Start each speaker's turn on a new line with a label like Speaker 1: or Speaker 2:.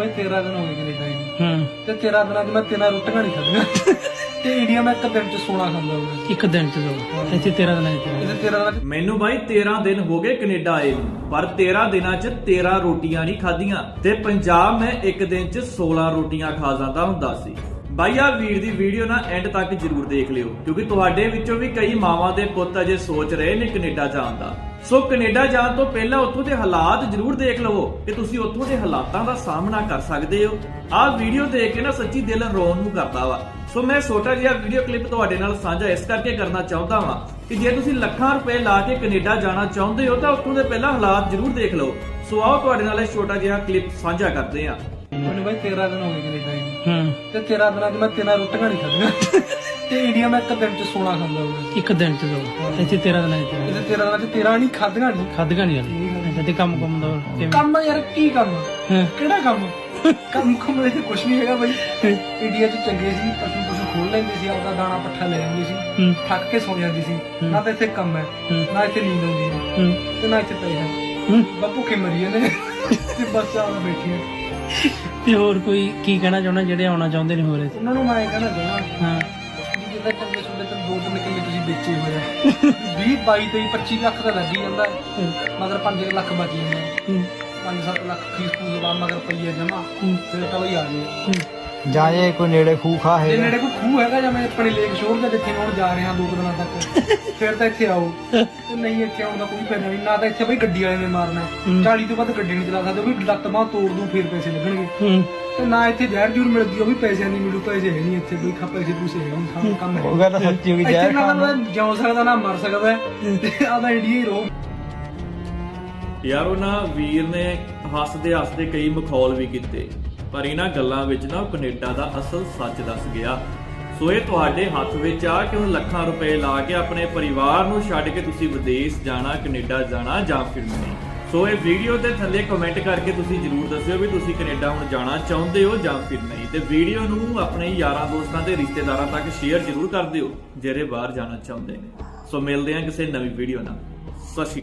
Speaker 1: ਬਾਈ 13 ਦਿਨ ਹੋ ਗਏ ਕੈਨੇਡਾ ਨੂੰ ਤੇ 13 ਦਿਨਾਂ 'ਚ ਮੈਂ 13 ਰੋਟੀਆਂ ਨਹੀਂ ਖਾਧੀਆਂ ਤੇ ਇੰਡੀਆ ਮੈਂ ਇੱਕ ਦਿਨ 'ਚ 16 ਖਾਂਦਾ ਹਾਂ।
Speaker 2: ਇੱਕ ਦਿਨ ਚ ਇੱਥੇ 13 ਦਿਨਾਂ
Speaker 1: ਇੱਥੇ 13 ਦਿਨਾਂ 'ਚ
Speaker 3: ਮੈਨੂੰ ਬਾਈ 13 ਦਿਨ ਹੋ ਗਏ ਕੈਨੇਡਾ ਆਏ ਨੂੰ, ਪਰ 13 ਦਿਨਾਂ 'ਚ 13 ਰੋਟੀਆਂ ਨਹੀਂ ਖਾਧੀਆਂ ਤੇ ਪੰਜਾਬ ਮੈਂ ਇੱਕ ਦਿਨ 'ਚ 16 ਰੋਟੀਆਂ ਖਾ ਜਾਂਦਾ ਹੁੰਦਾ ਸੀ। ਬਾਈ ਆ ਵੀਰ ਦੀ ਵੀਡੀਓ ਨਾ ਐਂਡ ਤੱਕ ਜਰੂਰ ਦੇਖ ਲਿਓ, ਕਿਉਂਕਿ ਤੁਹਾਡੇ ਵਿੱਚੋਂ ਵੀ ਕਈ ਮਾਵਾਂ ਦੇ ਪੁੱਤ ਅਜੇ ਸੋਚ ਰਹੇ ਨੇ ਕੈਨੇਡਾ ਜਾਣ ਦਾ। ਸੋ ਕੈਨੇਡਾ ਜਾਣ ਤੋਂ ਪਹਿਲਾਂ ਉੱਥੋਂ ਦੇ ਹਾਲਾਤ ਜਰੂਰ ਦੇਖ ਲਵੋ ਕਿ ਤੁਸੀਂ ਉੱਥੋਂ ਦੇ ਹਾਲਾਤਾਂ ਦਾ ਸਾਹਮਣਾ ਕਰ ਸਕਦੇ ਹੋ। ਆਹ ਵੀਡੀਓ ਦੇਖ ਕੇ ਨਾ ਸੱਚੀ ਦਿਲ ਰੋਣ ਨੂੰ ਕਰਦਾ ਵਾ। ਸੋ ਮੈਂ ਛੋਟਾ ਜਿਹਾ ਵੀਡੀਓ ਕਲਿੱਪ ਤੁਹਾਡੇ ਨਾਲ ਸਾਂਝਾ ਇਸ ਕਰਕੇ ਕਰਨਾ ਚਾਹੁੰਦਾ ਵਾਂ ਕਿ ਜੇ ਤੁਸੀਂ ਲੱਖਾਂ ਰੁਪਏ ਲਾ ਕੇ ਕੈਨੇਡਾ ਜਾਣਾ ਚਾਹੁੰਦੇ ਹੋ ਤਾਂ ਉੱਥੋਂ ਦੇ ਪਹਿਲਾਂ ਹਾਲਾਤ ਜਰੂਰ ਦੇਖ ਲਓ। ਸੋ ਆਓ ਤੁਹਾਡੇ ਨਾਲ ਇਹ ਛੋਟਾ ਜਿਹਾ ਕਲਿੱਪ ਸਾਂਝਾ ਕਰਦੇ ਹਾਂ।
Speaker 1: ਮੈਨੂੰ ਬਾਈ 13 ਦਿਨ ਹੋ ਗਏ ਕੈਨੇਡਾ ਨੂੰ ਤੇ 13 ਦਿਨਾਂ 'ਚ ਮੈਂ 13 ਰੋਟੀਆਂ ਨਹੀਂ ਖਾਧੀਆਂ ਤੇ ਇੰਡੀਆ ਮੈਂ ਇੱਕ ਦਿਨ 'ਚ 16 ਖਾਂਦਾ ਹਾਂ।
Speaker 2: ਇੱਕ ਦਿਨ ਚ ਇੱਥੇ 13 ਦਿਨਾਂ ਚ
Speaker 1: ਇੱਥੇ 13 ਦਿਨਾਂ 'ਚ 13 ਨਹੀਂ ਖਾਧੀਆਂ ਨਹੀਂ।
Speaker 2: ਖਾਧੀਆਂ ਨਹੀਂ ਜਾਂਦੀਆਂ ਤੇ ਕੰਮ ਦਾ ਕਿਵੇਂ?
Speaker 1: ਕੰਮ ਯਾਰ ਕੀ ਕੰਮ ਕਿਹੜਾ ਕੰਮ ਕੰਮ ਦੇ ਕੁਝ ਨਹੀਂ ਹੈਗਾ ਬਾਈ। ਇੰਡੀਆ 'ਚ ਚੰਗੇ ਸੀ, ਪਸ਼ੂ ਖੋਲ ਲੈਂਦੇ ਸੀ, ਆਪਦਾ ਦਾਣਾ ਪੱਠਾ ਲੈ ਆਉਂਦੇ ਸੀ, ਥੱਕ ਕੇ ਸੌ ਜਾਂਦੀ ਸੀ। ਨਾ ਤਾਂ ਇੱਥੇ ਕੰਮ ਹੈ, ਨਾ ਇੱਥੇ ਨੀਂਦ ਆਉਂਦੀ ਹੈ ਤੇ ਨਾ ਇੱਥੇ ਪੈਸਾ। ਬਸ ਭੁੱਖੇ ਮਰੀ ਜਾਂਦੇ ਤੇ ਬਸ ਆ ਬੈਠੇ ਆ।
Speaker 2: ਤੇ ਹੋਰ ਕੋਈ ਕੀ ਕਹਿਣਾ ਚਾਹੁੰਦਾ ਜਿਹੜੇ ਆਉਣਾ ਚਾਹੁੰਦੇ ਨੇ ਹੋਰ?
Speaker 1: ਉਹਨਾਂ ਨੂੰ ਮੈਂ ਇਹ ਕਹਿਣਾ ਚਾਹੁੰਦਾ ਜਿੱਦਾਂ ਚੰਗੇ ਸੁਣਦੇ ਤਾਂ 2-3 ਕਿੱਲੇ ਤੁਸੀਂ ਵੇਚੇ ਹੋਏ ਆ 20, 22, 23, 25 ਲੱਖ ਦਾ ਲੱਗੀ ਜਾਂਦਾ ਮਗਰ 5 ਲੱਖ ਬਚ ਜਾਂਦੇ 5-7 ਲੱਖ ਫੀਸ ਫੂਸ ਬਾਅਦ ਮਗਰ ਪਈਏ ਜਮਾ ਫਿਰ ਤਾਂ ਬਈ ਆ ਜਾਏ
Speaker 4: ਜਾਂ ਜੇ ਕੋਈ ਨੇੜੇ ਖੂਹ ਖਾ
Speaker 1: ਜੇ
Speaker 4: ਹੈ
Speaker 1: ਨੇੜੇ ਕੋਈ ਖੂਹ ਹੈਗਾ ਜਾਂ ਮੈਂ ਆਪਣੇ ਲੇਕ ਸ਼ੋਰ ਦੇ ਜਿੱਥੇ ਮੈਂ ਹੁਣ ਜਾ ਰਿਹਾ 2 ਦਿਨਾਂ ਤੱਕ ਫਿਰ ਤਾਂ ਇੱਥੇ ਆਓ ਤੇ ਨਹੀਂ ਇੱਥੇ ਆਉਣ ਦਾ ਕੋਈ ਫਾਇਦਾ ਨਹੀਂ। ਨਾ ਤਾਂ ਇੱਥੇ ਬਈ ਗੱਡੀ ਵਾਲੇ ਨੇ ਮਾਰਨਾ 40 ਤੋਂ ਵੱਧ ਗੱਡੀ ਨਹੀਂ ਚਲਾ ਸਕਦੇ, ਉਹ ਵੀ ਲੱਤ ਬਾਂਹ ਤੋੜ ਦੂੰ ਫਿਰ ਪੈਸੇ ਲੱਗਣਗੇ। ਤੇ ਨਾ ਇੱਥੇ ਜ਼ਹਿਰ ਜੂਰ ਮਿਲਦੀ, ਉਹ ਵੀ ਪੈਸੇ ਨਹੀਂ ਮਿਲੂ, ਪੈਸੇ ਹੈ ਨਹੀਂ ਇੱਥੇ ਕੋਈ ਪੈਸੇ ਪੂਸੇ ਹੈ ਨਹੀਂ ਕੰਮ ਹੈ।
Speaker 4: ਉਹ ਗੱਲ ਸੱਚੀ ਹੋ ਗਈ
Speaker 1: ਇੱਥੇ
Speaker 4: ਜ਼ਹਿਰ
Speaker 1: ਨਾ
Speaker 4: ਖਾਣ
Speaker 1: ਤਾਂ ਜਿਉ ਸਕਦਾ ਨਾ ਮਰ ਸਕਦਾ ਤੇ ਆਦਾ ਇੰਡੀਆ ਹੀ ਰਹੋ।
Speaker 3: ਯਾਰ ਉਹਨਾਂ ਵੀਰ ਨੇ ਹੱਸਦੇ ਕਈ ਮਖੌਲ ਵੀ ਕੀਤੇ, ਪਰ ਇਹਨਾਂ ਗੱਲਾਂ ਵਿੱਚ ਨਾ ਕੈਨੇਡਾ ਦਾ ਅਸਲ ਸੱਚ ਦੱਸ ਗਿਆ। ਸੋ ਇਹ ਤੁਹਾਡੇ ਹੱਥ ਵਿੱਚ ਆ ਕਿ ਹੁਣ ਲੱਖਾਂ ਰੁਪਏ ਲਾ ਕੇ ਆਪਣੇ ਪਰਿਵਾਰ ਨੂੰ ਛੱਡ ਕੇ ਤੁਸੀਂ ਵਿਦੇਸ਼ ਜਾਣਾ, ਕੈਨੇਡਾ ਜਾਣਾ ਜਾਂ ਫਿਰ ਨਹੀਂ। ਸੋ ਇਹ ਵੀਡੀਓ ਦੇ ਥੱਲੇ ਕਮੈਂਟ ਕਰਕੇ ਤੁਸੀਂ ਜਰੂਰ ਦੱਸਿਓ ਵੀ ਤੁਸੀਂ ਕੈਨੇਡਾ ਹੁਣ ਜਾਣਾ ਚਾਹੁੰਦੇ ਹੋ ਜਾਂ ਫਿਰ ਨਹੀਂ, ਤੇ ਵੀਡੀਓ ਨੂੰ ਆਪਣੇ ਯਾਰਾਂ ਦੋਸਤਾਂ ਤੇ ਰਿਸ਼ਤੇਦਾਰਾਂ ਤੱਕ ਸ਼ੇਅਰ ਜਰੂਰ ਕਰ ਦਿਓ ਜਿਹੜੇ ਬਾਹਰ ਜਾਣਾ ਚਾਹੁੰਦੇ ਨੇ। ਸੋ ਮਿਲਦੇ ਹਾਂ ਕਿਸੇ ਨਵੀਂ ਵੀਡੀਓ ਨਾਲ। ਸਤਿ ਸ਼੍ਰੀ ਅਕਾਲ।